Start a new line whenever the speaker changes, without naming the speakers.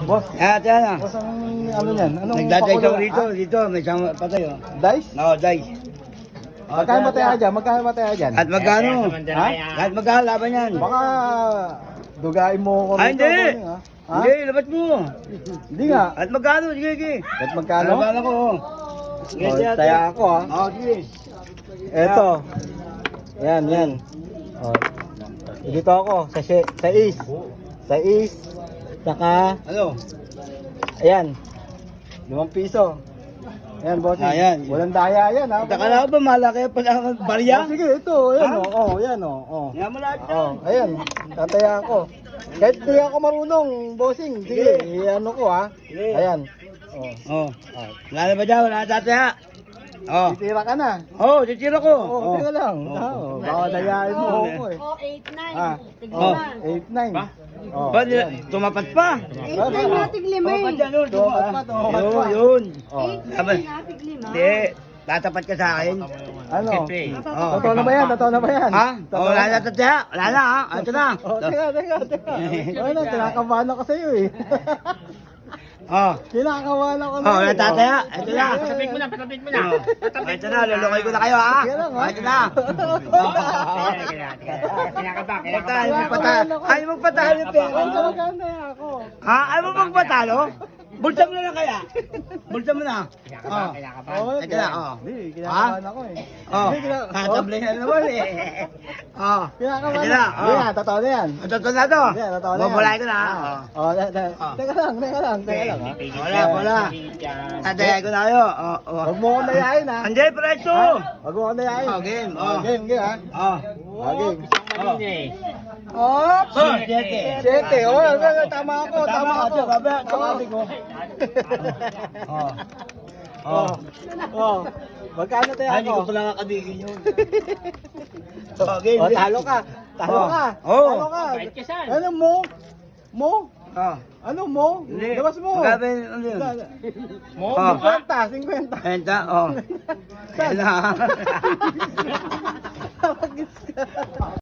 Boss,
Yan.
boss, ano yan? Anong
Nagdaday
pakulo?
ka dito. May isang patay, oh.
Dice?
No, dice.
Magkano mataya dyan? Magkano mataya dyan?
At magkano?
Ha?
At magkano laban yan?
Baka dugain mo ko
Ah, hindi.
bossing, ha? Ha?
Hindi, labas mo.
Hindi nga.
At magkano? Sige.
At magkano?
Laban ako, oh. Sige,
Oh,
sige.
taya ako, ha?
Oh, sige.
Eto. Yan. Oh. Dito ako, sa is. Sa is. Saka,
Ano?
ayan. 5 piso. Ayan, bossing.
Ayan.
Walang daya yan, ha?
Taka na ba, malaki pa lang ang barya?
Oh, sige, ito. Ayan,
Ha?
yan, oh.
Yan mo lahat
Oh,
yan.
ayan. Tataya ako. Kahit di ako marunong, bossing. Sige, ano ko, ha?
Sige.
Ayan. Oh.
Oh. Wala na ba dyan? Wala na tataya? Oh.
Titira ka na.
Oh, titira ko.
Oh, tira lang. Oh, baka dayain mo ako, eh.
Oh, 8-9.
Ah.
Tiglima.
8-9. Oh,
Ba,
ayan.
tumapat pa.
8-9 na tiglima
Tumapat
eh.
yan, oh.
Tumapat pa, tumapat
Yun,
pa.
yun.
Oh.
8-9 na tiglima.
Hindi. Tatapat ka sa akin.
Ano?
Oh.
Totoo na ba yan? Totoo na ba yan?
Ha?
Totoo
Oh, wala na tataya. Wala na, ha? Ito na.
Oh, teka. Ano, kinakabahan ako sa'yo, eh.
Oh.
Kinakabahan ako
Oh,
sa'yo.
wala tataya. Ito na.
Patapik mo na.
Ito na, lulukay ko na kayo, ha?
Sige lang, ha?
Ito na. Patalo mo patalo. Ayaw mo patalo yung pera.
Ang maganda ako.
Ha? Ayaw mo magpatalo? Bulsa mo na lang kaya. Bulsa mo na. Oh.
Oh,
Ito na, oh.
Hindi, kinakabahan ako, eh.
Oh.
Hindi,
Tatablay na naman, eh. Oh.
Kinakabahan
Ito na,
ako.
oh.
Hindi yan, totoo na yan.
Ito na to.
Hindi, totoo na yan.
Bubulay ko na, ha?
Oh,
Oh.
teka lang, ha?
Wala. Tatayay ko na kayo. Oh, oh.
Huwag mo akong dayain, ha?
Andiyan, preso.
Huwag mo akong dayain.
Oh, game.
Oh,
Oh.
game, ha?
Oh.
Oh, game.
Oh. Siyete.
7. Oh, tama ako.
Sabi ko. Oh.
Oh. Oh. Magkano tayo
Ay, hindi ko
ako?
pala kakabigin yun. Oh, game.
Oh, talo ka. Talo
Oh.
ka.
Oh.
Talo ka.
Bait ka saan?
Ano mo? Mo?
Oh.
Ano mo?
Hindi.
Labas mo.
Magkano ano yun?
Mo?
Oh.
50.
Enta, oh. Yan na.
Tawagis ka.